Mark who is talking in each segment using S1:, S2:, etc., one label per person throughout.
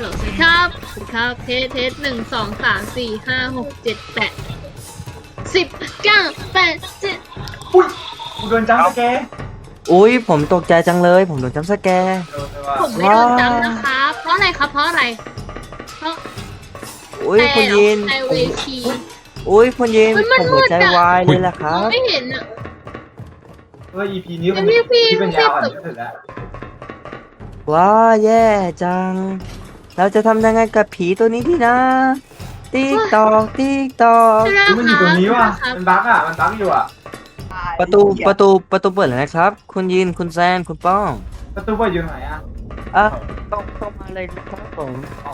S1: สวัสดีครับสวัสดีครับเทส1 2 3 4 5 6 7 8 10 9 8 7
S2: อุ้ยกูโดนจัมป์สแกร์
S3: อุ้ยผมตกใจจังเลยผมโดนจัมป์สแกร์
S2: โดนเลยว่ะ
S1: ผมไม่โดนจำนะครับ เพราะอะไรครับ เพราะอะไร เพราะ
S3: อุ้ยคุณยิน
S1: แต่เวที
S3: อุ้ยคุณยิน
S1: มัน
S3: ผมหัวใจ
S1: มืดอะ
S3: วายเลยล่ะค
S1: ม
S3: รั
S1: อง
S3: บ
S1: ไม่เห็นอ่ะ
S2: ว่า EP นี้มัน
S1: พี่
S2: ที่เป็นยาวอ่ะที่สุดแล้ว
S3: ว้าแย่จัง เราจะทำยังไงกับผีตัวนี้ดีนะติ๊กตอกติ๊กตอก
S2: อุ๊ยมันอยู่ตรงนี้ว่ะมันบั๊กอ่ะมันบั๊กอยู่อ่ะ
S3: ประตูเปิดแล้วนะครับ คุณยินคุณแซนคุณป้อง
S2: ประตูเปิดอยู่ไหนอ่ะ
S3: อ่ะต้องมาเลยนะครับผม
S2: อ๋อ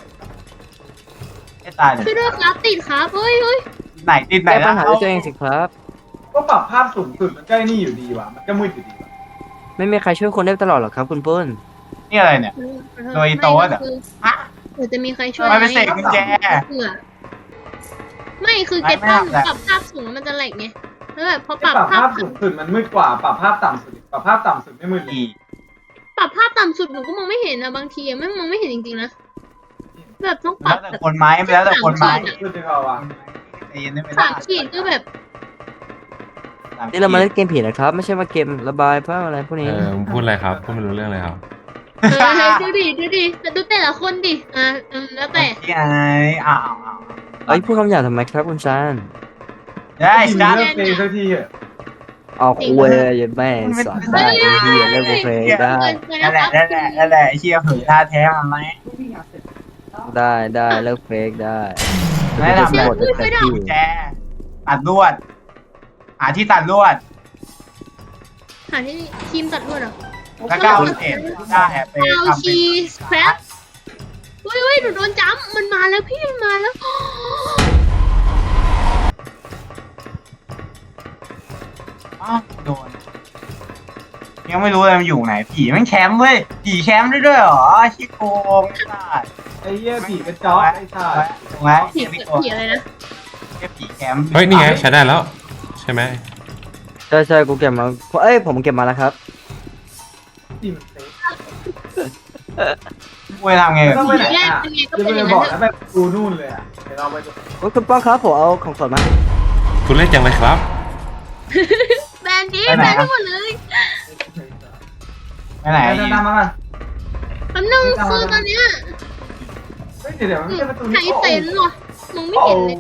S4: ไม่ตายเลย
S1: ช่วยด้วยครับติดครับเฮ้ย
S4: ไหนติดไหน
S3: แก้ปั
S4: แล้
S3: ญ
S4: ว
S3: หาด้วยตัวเองสิครับ
S2: ก็ปรับภาพสูงสุดมันก็ไอ้นี่อยู่ดีว่ะมันก็มืดอยู่ดีว่ะ
S3: ไม่มีใครช่วยคนได้ตลอดหรอกครับคุณปุ้น
S4: นี่อะไรเนี่ย โดยโต๊ะอะ ฮะ
S1: หรือจะมีใครช่วย
S4: ไม่เป็นเศษกุญแจ
S1: เผื่อไม่คือเก็ต
S4: ไม่
S1: ป้อง
S4: ไม่
S1: ปรับภาพสูงแล้วมันจะแหลกไงแล้วแบบพอ
S2: ป
S1: ป
S2: รั
S1: รั
S2: บบ ภา
S1: ภา
S2: พ
S1: พ
S2: สูงสุดมันมืดกว่าปรับภาพต่ำสุดปรับภาพต่ำสุดไม่มืดเลย
S4: อี
S1: ปรับภาพต่ำสุดหนูก็มองไม่เห็นนะบางทีอะไม่มองไม่เห็นจริงๆนะแบบต้องป
S4: แล้
S1: รั
S4: ว
S1: บ
S4: แต่คนไม้แล้วแต่คนไม้
S2: มืดจังเอาว่ะ
S4: ใจเย็นได้ไหม
S1: สามขีดก็แบบ
S3: นี่เรามาเล่นเกมผีนะครับ ไม่ใช่มาเกมระบายภาพอะไรพวกนี้
S5: มึงพูดอะไรครับ พูดไม่รู้เรื่องเลยครับ
S1: ดูดิแต่ดูแต่ละคนดิแล้วแต่
S4: ที่ไอ้อ้าว
S3: เอ้ยพูดคำหยาบทำไมครับคุณแซน
S4: ได้
S2: ที
S4: จ้า
S2: เลิกเพลงสักทีเหอะ
S3: เอาคุยอย่าแม่สอนได้ไอ้เหี้ยเล่นเพลงได้
S4: นั่นแหละไอ้เชี่ยเผยท่าแท้มาไหม
S3: ได้เลิกเฟกได้
S4: ไม่ทำอะไร
S3: หมดแต่ที่
S4: แจตัดลวด หาที่ตัดลวด
S1: หาที่ทีมตัดลวดเหรอ
S4: แล้วก็เอาเศษได้ไป
S1: เอา
S4: ทำเป็
S1: ชี
S4: น
S1: สแครปเฮ้ยหนูโดนจ้ำมันมาแล้วพี่มันมาแล้ว
S4: อ้าวโดน ยังไม่รู้เลยมันอยู่ไหน ผีแม่งแคมป์เว้ย ผีแคมป์ได้ด้วยเหรอชิโกงไม่ได้
S2: ไอ้เหี้ยผีกระจอกไอ้ชาติ
S4: ตรงไหน
S1: ผีอะไรนะ
S4: ผีแคมป์
S5: เฮ้ย นี่ไง ใช้ได้แล้ว ใช่ไหม
S3: ใช่กูเก็บมาเอ้ยผมเก็บมาแล้วครับ
S2: ผีมันเซ็ก
S4: กูจะทำไงกับ
S2: ต้อง
S4: ผี
S2: ไปไหน
S1: แยก
S2: อ่ะ
S1: เป็นไงก็
S2: จะ
S1: เป็น
S2: ไป
S1: อย่าง
S2: บ
S1: นั้
S2: อก
S1: น
S2: แล้วแบบกูนู่นเลยอ่ะเดี๋ยวเราไปดู
S3: โอ้ยคุณป้องครับผมเอาของสดมา
S5: คุณเล่นจังเลยครับ
S1: แบนดี้แบนทั้งหมดเลย
S4: ไปไหน
S2: ไปตามมาก่อน
S1: แป๊บนึงคือตอนเนี้ย
S2: เฮ้ยเดี๋ยวมันไม่ใช่ประตู
S1: ไหน
S2: นี้
S1: เซนหรอมองไม่เห็นเลย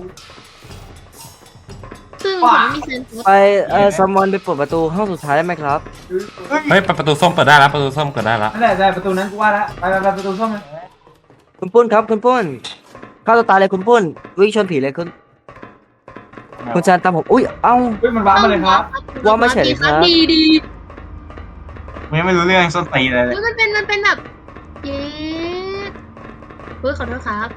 S1: ซึ่งผมมีเซน
S3: ไปซัมมอนไปเปิดประตูห้องสุดท้ายได้ไหมครับ
S5: เฮ้ย ประตูส้มเปิดได้แล้ว ประตูส้มเปิดได้แล้ว
S2: นั่นแหละได้ประตูนั้นกูว่าแล้วไปประตูส้มเลย
S3: คุณปุ้นครับคุณปุ้นเข้าตัวตายเลยคุณปุ้นวิ่งชนผีเลยคุณแซนตามผมอุ้ยเอ้า
S2: เฮ้ยมันว้ามาเลยครับ
S3: ว่าไม่เฉยครับ
S1: ดี
S4: กูยังไม่รู้เรื่องส้นตีนเลย
S1: มันเป็นแบบเย้เฮ้ยขอโทษครับ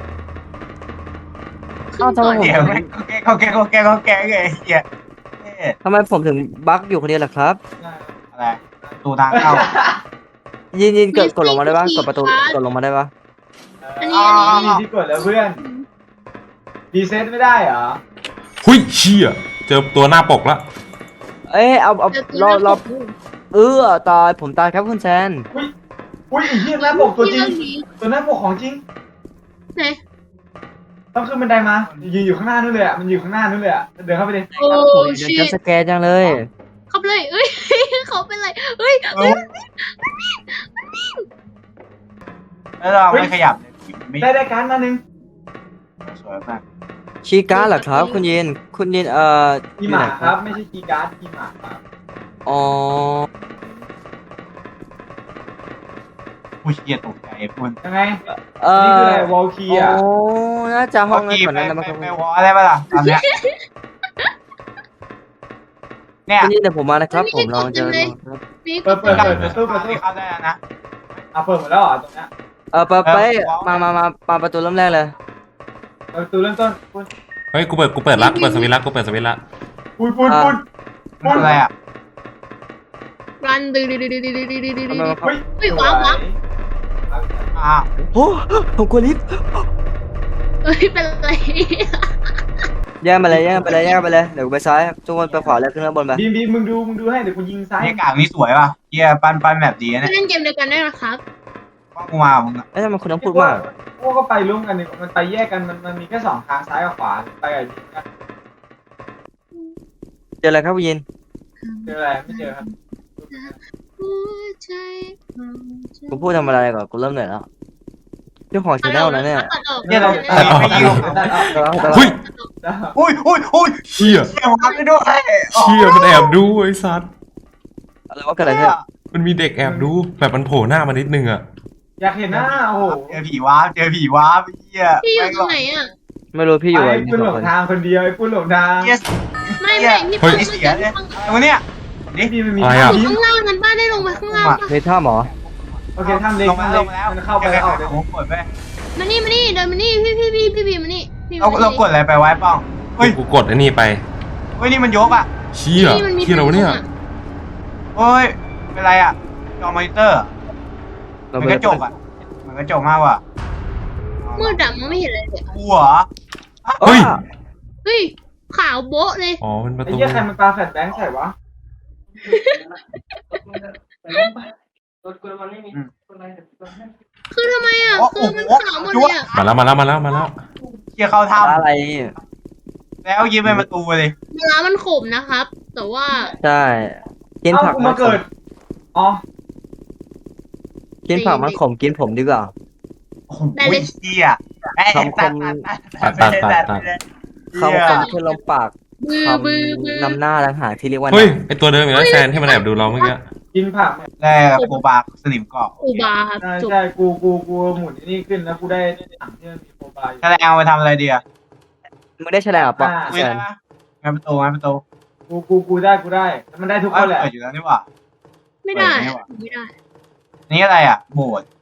S1: ขึ้นก่อน
S4: เดี๋ยวแม่งเขาแกไงเหี้ย
S3: ทำไมผมถึงบั๊กอยู่คนเดียวล่ะครับ
S4: อะไรตูทางเข้า
S3: ยินเกิดกดลงมาได้ปะกดประตูกดลงมาได้ปะ
S1: อันนี้
S2: ที่กดแล้วเพื่อนดีเซ็ตไม่ได้เหรอ
S5: หุยเชี่ยเจอตัวหน้าปกแล้ว
S3: เอ้ยเอารอตายผมตายครับคุณแซน
S2: อุ้ยไอ้เหี้ยหน้าปกตัวจริงตัวหน้าปกของจริง
S1: ไหน
S2: ต้องขึ้นบันไดมายืนอยู่ข้างหน้านู่นเลยอ่ะมันอยู่ข้างหน้านู่นเลยอ่ะเดินเข้าไปดิ
S1: โอ้
S3: เดี๋ยว
S1: ชิ
S3: จะสแกนจังเลย
S1: เขาเป็นไรเอ้ยเขาเป็นไรเฮ้ย
S4: แล้วเราไม่ขยับเลยไม่
S2: ได้การมาหนึ่ง
S4: สวยมาก
S3: ชีการ์ดเหรอครับ คุณยิน
S2: กีหมาครับไม่ใช่กีการ์ดกีหมาครับ
S3: อ๋อ
S4: ผู้เชี่ยตกใจพูด
S2: ยังไง
S3: เอ
S2: นี่คือ
S3: อ
S2: อะไรวอลคีอ่ะ
S3: โอ้น่าจะห้องนั้น
S4: กี้
S3: ก่อน
S4: ไป
S3: นั้นนะมั้งครับ
S4: วอลได้ปะล่ะตอนเนี้ยเนี่ย
S3: คุณยินเดี๋ยวผมมานะครับผมเราจะ
S1: นี่
S2: เปิด
S4: เข้าได้แล้วนะ
S2: เปิดหมดแล้วเหรอตรงนี้
S3: ไปมาประตูเริ่มแรกเลย
S2: ประตูเริ่มต้นปุ้น
S5: เฮ้ย กูเปิดละกูเปิดสวิตช์ละกูเปิดสวิตช์ละ
S2: ปุ้น
S4: อะไรอ่ะ
S1: รันดื้อ
S2: เฮ้ย
S1: ว้าว
S4: อ้าว
S3: โอ้ผมกลัวลิฟต์
S1: เฮ้ยเป็นไร
S3: แย่งไปเลยเดี๋ยวไปซ้ายทุกคนไปขวาแล้วขึ้นข้างบนไป
S2: บีมมึงดูให้เดี๋ยวกูยิงซ้าย
S4: นี่กากนี่สวยป่ะเชี่ยปั้นแบบดีนะ
S1: เล่นเกมเดียวกันได้นะครับ
S4: ป้องกูมามึงอะ
S3: เอ้ยทำไมคุณต้องพูดมาก
S2: พวกก็ไปร่วมกันนี่มันไปแยกกันมันมีแค่2 ทางซ้ายกับขวาไปกับยิงกัน
S3: เจออะไรครับยิน
S2: เจออะไรไม่เจอครับ
S1: หัวใจของฉัน
S3: กูพูดทำอะไรก่อนกูเริ่มเหนื่อยแล้วเจ้าของชาแนลนะเนี่ย
S1: ตัดออก
S4: เนี่ยเรา
S1: ตัดออก
S4: ไม่ยิง
S2: ได้เอา
S5: เฮ้ย
S2: ได้เอา
S4: อุ้ย
S5: เชี่ย
S4: เชี่ยมาไปด้วย
S5: เชี่ยมันแอบดูไอ้สัตว์
S3: อะไรวะเกิดอะไรขึ้น
S5: มันมีเด็กแอบดูแบบมันโผล่หน้ามานิดนึงอะ
S2: อยากเห็นหน้าโอ้โห
S4: เจอผีวาร์ปเจอผีวาร์ปเหี้ย
S1: พี่อยู่ตรงไหนอ่ะ
S3: ไม่รู้พี่อยู่
S2: ไอ้
S3: กับ
S2: ปุ้นหล
S3: สอง
S2: ง
S3: คน
S2: ทางคนเดียวไอ้ปุ้นหลงทาง
S4: เหี้ย
S1: ไม่พี่ฟัง
S4: ไอ้เสียเลยอะไรวะเนี่ย
S2: พี่มันมี
S5: อะไร
S1: อ
S5: อะ
S1: ยู่ข้างล่างนั้นบ้านได้ลงไปข้างล่างปะ
S3: ในถ้ำเหรอ
S2: โอเคทำเล็ก
S4: ลงมา
S2: ทำ
S4: ล
S2: เล็
S4: ง
S2: ก
S4: มาแล้ว
S2: มันเข้าไปแล้วออกเลย
S4: ผมกดไป
S1: มานี่เดินมานี่พี่มานี่พี่
S4: เรา
S1: มานี่
S4: เรากดอะไรไปไว้ป้องเฮ้ย
S5: กูกดไอ้นี่ไป
S4: เฮ้ยนี่มันยกอ่ะ
S5: เชี่ย
S1: มันมี
S5: เชี่ยเราเนี่ย
S4: เฮ้ยเป็นไรอ่ะจอมอนิเตอร์เหมือนกระจกอ่ะเหมือนกระจกมากว่ะ
S1: มืดดำมองไม่เห็นอะไรเลย
S4: หัว
S5: เฮ้ย
S1: เฮ้ยขาวโบ๊ะเลย
S5: อ๋อเป็นประ
S2: ไอ้
S5: ตู
S2: เหี้ยใครมันปาแฟลชแบงค์ใส่วะ
S1: คือทำไมอ่ะคือมันขาวหมดเลยอ่ะ
S5: มาแล้ว
S4: เชี่ยเข้าถ้
S3: อะไร
S4: ำแล้วยิ้มไปประตูเลย
S1: เนื้อมันขมนะครับ แต่ว่า
S3: ใช่กิน
S2: เอ้า
S3: ผัก
S2: กู
S3: มั
S2: มาน
S3: ข
S2: เกิ
S3: ม
S2: ดอ๋อ
S3: กินผักมันขมกินผมดีกว่า
S4: โอ้โหเชี่ยตัด
S3: คำคมขึ้นลมปาก
S1: บือ
S3: ค
S1: บือ
S3: ำนำหน้าต่างหากที่เรียกว่า
S5: เฮ้ยไอตัวเดิมอีกแล้วแซนที่มันแอบดูเราเมื่อกี้
S2: กินผัก
S4: แรกโบบาสนิมเกาะ
S1: อูบาครับ
S2: ใช่
S1: จบ
S2: ใช่กูหมุนนี่ขึ้นแล้วกูได้ถังที่มันมีโมบาย
S4: แสดงเอาไปทำอะไรดีอ่ะ
S3: มึงได้แฉลงปะ
S4: ไม่ได้ปะงานประตู
S2: กูได้มันได้ทุกคนแหละ
S4: เปิดอยู่แล้วนี่หว่า
S1: ไม่ได้
S4: ไม่ไหว
S1: ไม่ได้
S4: นี่อะไรอ่ะโบสถ์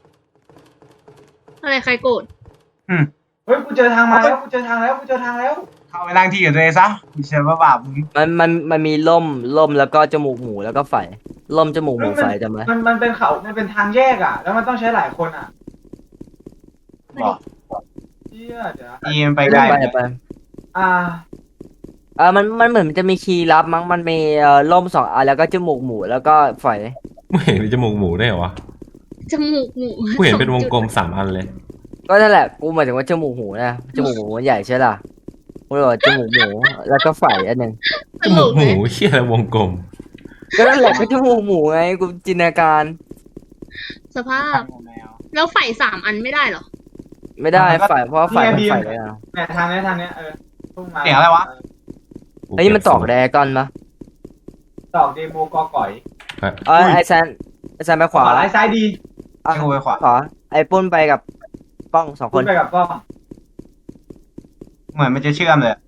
S1: อะไรใครโกรธ
S2: เฮ้ยกูเจอทางมาแล้วกูเจอทางแล้ว
S4: เข้าไปนั่งที่กับตัวเองซะกูเชื่อว่าบาปมึง
S3: มันมีล่มแล้วก็จมูกหมูแล้วก็ไฟล่มจมูกหมูไฟจำไหม
S2: มันเป็นเขามันเป็นทางแยกอ่ะ แล้วมันต้องใช้หลายคนอ่ะ
S4: บอก
S2: เชี่ยเดี๋ยว
S4: นี่มันไปไกล
S3: ไป
S2: อ่า
S3: มันเหมือนมันจะมีคีย์ลับมั้งมันมีล่มสองอันแล้วก็จมูกหมูแล้วก็ไฟ
S5: ไม่เห็นมีจมูกหมูได้เหรอวะ
S1: จมูกหมู
S5: กูเห็นเป็นวงกลม3 อันเลย
S3: ก็นั่นแหละกูหมายถึงว่าจมูกหมูนะจมูกหมูมันใหญ่ใช่ล่ะกูเลยบอกจมูกหมูแล้วก็ไฟอันหนึ่ง
S1: ต
S5: จ
S1: ล
S5: มูก
S1: ก
S5: ห
S1: เล
S5: มู
S1: ย
S5: เชี่ยอะไรวงกลม
S3: ก็นั่นแหละก็จมูกหมูไงกูจินตนาการ
S1: สภาพ แล้วไฟ3 อันไม่ได้เหรอ
S3: ไม่ได้ไฟเพราะว่าไฟมันไฟเลยนะ
S2: แหมทางนี้พุ่งมา
S4: เสียงอะไรวะ
S3: เฮ้ยมันตอกแดกอนปะ
S2: ตอกเดโมกอก่อย
S3: ไอแซนไปขวา
S2: ขวาซ้ายดี
S3: อ่ะ
S4: ให้กูไปขวา
S3: ขวาไอปุ้นไปกับป้องสองค
S2: คุ
S3: น
S2: ณไปกับกล้อง
S4: เหมือนมันจะเชื่อมเลย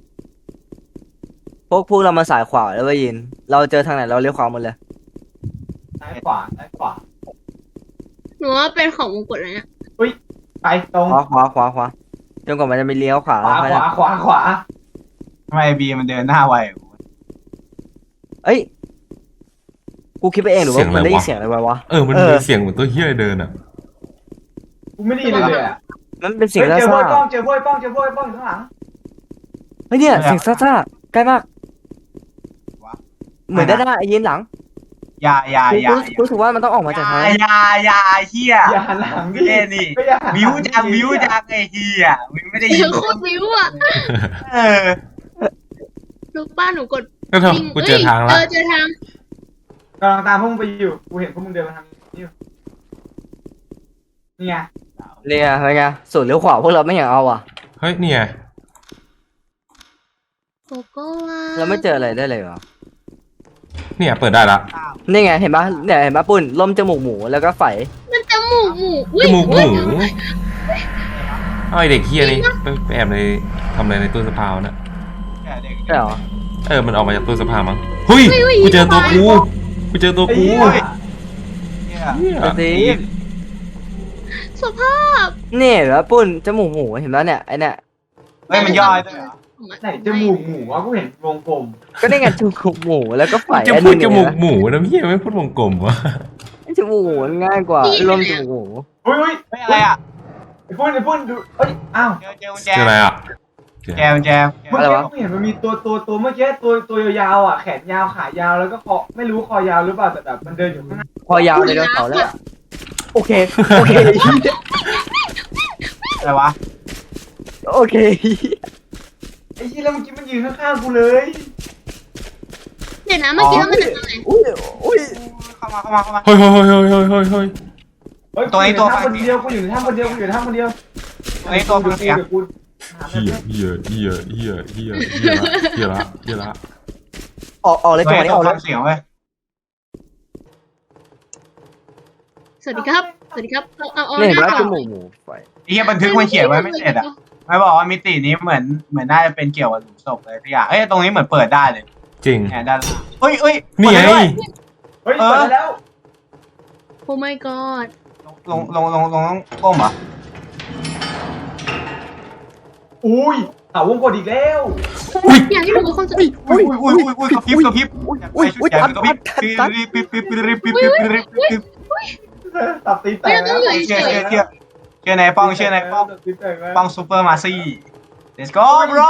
S3: พวกเรามาสายขวาแล้วไปยิน เราเจอทางไหนเราเลี้ยวขวาหมดเลย
S2: ซ้ายขวา
S1: หนูว่าเป็นของมงกุฎเลยเนี่ย
S2: ไปตรง
S3: ขวาจนกว่ามันจะมีเลี้ยวขวา
S2: ขวา
S4: ทำไมบีมันเดินหน้าไว
S3: เอ้ยกูคิดไปเองหรือว่ามันได้ยินเสียงอะไรวะ
S5: มันมีเสียงเหมือนตัวเฮี้ยเดินอ่ะ
S2: กูไม่ได้ยินเลยอ่ะ
S3: มันเป็นเสียง
S2: เจอ
S3: ซ่า
S2: ป้องเจอป้องอยู่ข้างหลัง
S3: ๆเฮ้ยเนี่ยเสียงซ่าๆใกล้มากเหมือนด้านหน้าไอ้ยินหลัง
S4: อย่า
S3: กูรู้สึกว่ามันต้องออกมาจากทางนั้น
S4: อย่าเฮีย
S2: อย่าหันหลังดิ
S4: เล่นนี่วิวจังไอ้เฮียมึงไม่ได้
S1: เสี
S4: ยิ
S1: ย
S4: น
S1: งโคตรวิวอ่ะ
S4: เออ
S1: ลูกป้าหนูกด
S5: ก็เถอะกูเจอทางละ
S1: เจอทาง
S2: กำลังตามพวกมึงไปอยู่กูเห็นพวกมึงเดินมาทางนี้อยู่นี่ไง
S3: เนี่ยเฮ้ยไงสุดเลี้ยวขวาพวกเราไม่อยากเอาอ่ะ
S5: เฮ้ยนี่ไง
S1: โกโก้วา
S3: เราไม่เจออะไรได้เลยเหรอ
S5: เนี่ยเปิดได้ละ
S3: นี่ไงเห็นปะเนี่ยเห็นปะปุ้นล่มจมูกหมูแล้วก็ไฟ
S1: มันจมูกหมูอุ๊
S5: จ
S1: ย
S5: มูกหมูไอเด็กเฮี้ยนี่ไปแอบในทำอะไรในตู้เสื้อผ้านะ
S3: ใช่เหรอ
S5: มันออกมาจากตู้เสื้อผ้ามั้งเฮ้ยกูเจอตัวกู
S2: ไอ้เหี้ย
S5: เหี้ย
S3: สิ
S1: สภาพ
S3: เนี่ยเหรอปุ้นจมูกหมูเห็นปะเนี่ยไอเนี่ย
S4: เฮ้ยมันย่อยด้วยเหรอ
S2: ไหนจมูกหมูวะกูเห็นวงกลม
S3: ก็ได้ไงจมูกหมูแล้วก็ไฟ
S5: จะ
S3: อัน
S5: พู
S3: นึ
S5: ด
S3: ง
S5: จมูกหมูนะพี่ไม่พูดวงกลมวะ
S3: จมูกหมูมันง่ายกว่าล่มจมูกหมู
S2: อุ้ย
S4: ไม่อะไรอ่ะ
S2: ไอ้ปุ้นดูเอ้ยอ้าว
S4: เจอกุญแจ
S5: เจออะไรอ่ะ
S4: แจม
S2: เมื่อกี้กูเห็นมันมีตัวเมื่อกี้ตัวยาวอ่ะแขนยาวขายาวแล้วก็คอไม่รู้คอยาวหรือเปล่าแต่แบบมันเดินอยู่ข้างหน้า
S3: คอยาวเลยเดินเขาแล้วโอเคโอเค
S4: อะไรวะ
S3: โอเค
S2: ไอ้ยี่แล้วเมื่อกี้มันยืนข้างๆกูเลย
S1: เดี๋ยวนะเมื่อกี้เรามาจากตรงไหน
S3: อุ้ยอุ้ย
S4: เข้ามา
S5: เฮ้ยเฮ้ยเฮ้ยเฮ้ยเฮ้ยเฮ้ยเฮ้ย
S2: เฮ้ย
S4: ตัวไอ้ตัว
S2: กูอยู่ในถ้ำคนเดียวกูอยู่ในถ้ำคนเดียวกูอยู่ในถ้ำคนเดียว
S4: ไอ้ตัวฟังเสียง
S2: ดี๋วกูหา
S5: เฮียเฮียเฮียเฮียเฮียเฮียละเฮียละ
S3: ออกเลยจังหวะนี้ออกเล
S4: ฟั
S3: ย
S4: งเสียงเว้ย
S1: สวัสดีครับสวัสดีครับเอา
S3: เนี่ยเห็น
S1: ห
S3: ไหม
S1: น้า
S3: จ
S1: ก่อน
S3: มูกไฟ
S4: ไอ้เหี้ยบันทึกมันเขียนไว้ไม่เสร็จอ่ะไม่บอกว่ามิตินี้เหมือนน่าจะเป็นเกี่ยวกับหลุมศพเลยพี่อ่ะเอ้ยตรงนี้เหมือนเปิดได้เลย
S5: จริง
S4: เนี่ยด้านเฮ้ย
S5: นี่ไง
S4: เปิดด้ด้วย
S2: เฮ้ยเปิดได้แล้ว
S1: โอ้ my god
S4: ลงต้องก้มเหรอ
S2: อุ้ยเอาวงกดอีกแล้ว
S1: อยากให้ดูคนสุด
S4: อุ้ยกระพริบใส่ชุดใหญ่กระพริบปิ๊บ
S2: ตัดตีแต
S1: ไม่
S2: ก
S1: ต้
S2: แล้
S1: อง
S2: ว
S1: อยู่เฉย
S4: เชื่อในป้อง
S2: ตัดตีแตกแล้ว
S4: ป้องซูเปอร์มาซี่ let's go bro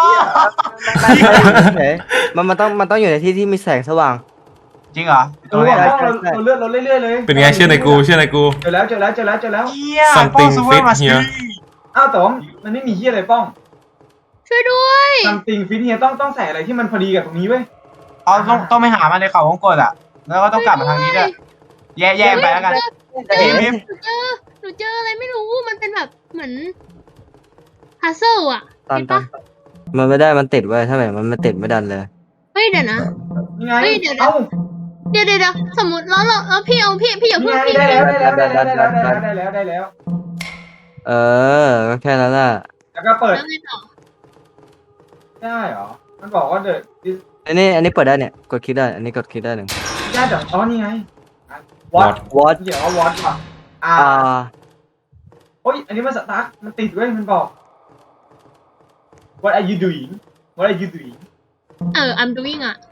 S3: มันต้องอยู่ในที่ที่มีแสงสว่าง
S4: จริงเหรอ
S2: เออว่ะเราเลื่อนเราเรื่อยๆเลย
S5: เป็นไงเชื่อในกูเชื่อในกู
S2: เจอแล้วเจอแล้วเจอแล้วเจอแล้ว
S4: เฮียป้องซูเปอร์มาซี่
S2: อ้าวแต่ว่ามันไม่มีเฮียอะไรป้อง
S1: ช่วยด้วย
S2: ซัมติงฟิตเฮียต้องใส่อะไรที่มันพอดีกับตรงนี้เว้ย
S4: เอาต้องไปหามันในเขาวงกดอ่ะแล้วก็ต้องกลับมาทางนี้ด้วยแย่ไปแล้วกัน
S1: หนูเจออะไรไม่รู้มันเป็นแบบเหมือนพัซเซิลอะ
S3: ตัน
S1: เห็น
S3: ตั
S1: ปะ
S3: นมันไม่ได้มันติดไว้ถ้าแบบมันไม่ติดไม่ดันเลย
S1: เฮ้ยเดี๋ยวนะ
S2: นี่ไง
S1: เฮ้ยเดี๋ยว
S2: เอ้า
S1: เดี๋ยวสมมติแล้วพี่เอาพี่อย่า
S2: นี่
S1: เพิ่ง
S2: ไง
S1: พี่
S2: ได้แล้วได้แล้ว
S3: ก็แค่นั้นแหละ
S2: แล้วก็เปิด
S1: แล้วไงต่อ
S2: ได้เหรอมันบอกว่าเดอะ
S3: อันนี้เปิดได้เนี่ยกดคลิกได้อันนี้กดคลิกได้หนึ่ง
S2: ได้แต่อ๋อนี่ไงวอต
S3: what
S2: เดี๋ยวว่าวอตว่ะโอ้ยอันนี้มันสตาร์ทมันติดเว้ยมันบอก What are you doing What are you doing
S1: I'm doing อะ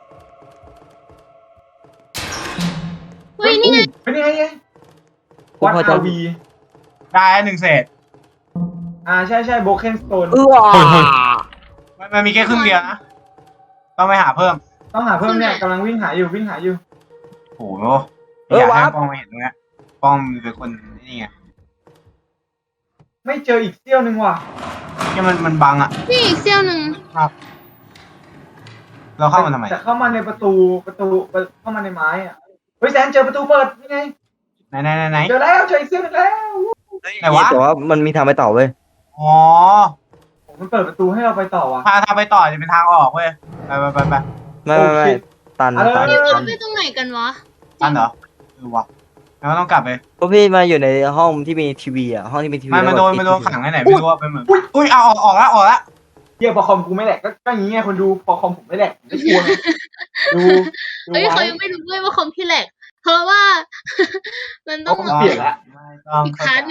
S1: เฮ้ยนี่ไง
S2: เป็นยังไงไง What are we
S4: ได้หนึ่งเศษ
S2: ใช่โบเคนสโตน
S4: มันมีแค่ครึ่งเดียวนะต้องไปหาเพิ่ม
S2: ต้องหาเพิ่มเนี่ยกำลังวิ่งหาอยู่
S4: โอ้โหอยากให้ป้องมาเห็นตรงนี้ป้องเป็นคนนี่ไง
S2: ไม่เจออีกเสี้ยวหนึ่งว่ะ
S4: ที่มันบังอ่ะ
S1: พี่อีกเซี่ยวหนึ่ง
S4: เราเข้ามาทำไม
S2: แต่เข้ามาในประตูเข้ามาในไม้อ่ะเฮ้ยแซนเจอประตูเปิดนี่ไง
S4: ไหน
S2: เจอแล้วเจออีกเสี้ยวหนึ่งแล้ว
S4: ไหนวะ
S3: แต่ว่ามันมีทางไปต่อเว้ย
S4: อ๋อ
S2: มันเปิดประตูให้เราไปต่อว่ะ
S4: ทางไปต่อจะเป็นทางออกเว้ยไป
S3: ไม่ตัน
S1: พี่เราไปตรงไหนกันวะ
S4: ตันเหรอวะแล้วต้องกลับไป
S3: พวกพี่มาอยู่ในห้องที่มีทีวีอ่ะห้องที่มีทีวี
S4: มันโดนขังไหนไม่รู้ว่าเป็นเหมือนอุ้ยเอาออกแล้ว
S2: เฮียพอคอมกูไม่แหลกก็อย่างงี้ไงคนดูพอคอมผมไม่แหลกผมจะกลัวดู
S1: เฮ้ยเขายังไม่รู้ด้วยว่าคอมพี่แหลกเพราะว่า มันต้อง
S2: เปลี่ยนละ
S4: ไม่ต้องเข้าใจ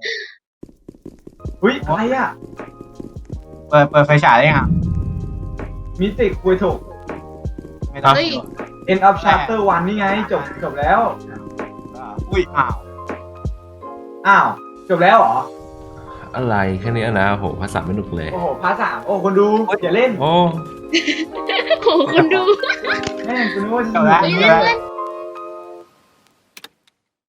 S2: อุ้ยอะไรอ่ะ
S4: เปิดไฟฉายได้ยัง
S2: มิติคุยถูก
S4: ไม่ต้อง
S2: End of Chapter 1นี่ไงจบแล้ว
S4: อุ้ย
S2: อ้าวจบแล้วเหรอ
S5: อะไรแค่นี้นะโหภาษาไม่หนุกเลย
S2: โอ้โหพาร์ท 3โอ้คนดูอย่าเล่น
S5: โอ้
S1: โหคุณดู
S2: แม่งกูนึกว่าจะ
S4: จบแล้ว
S1: เฮ้ย
S2: สนุก
S1: เล่น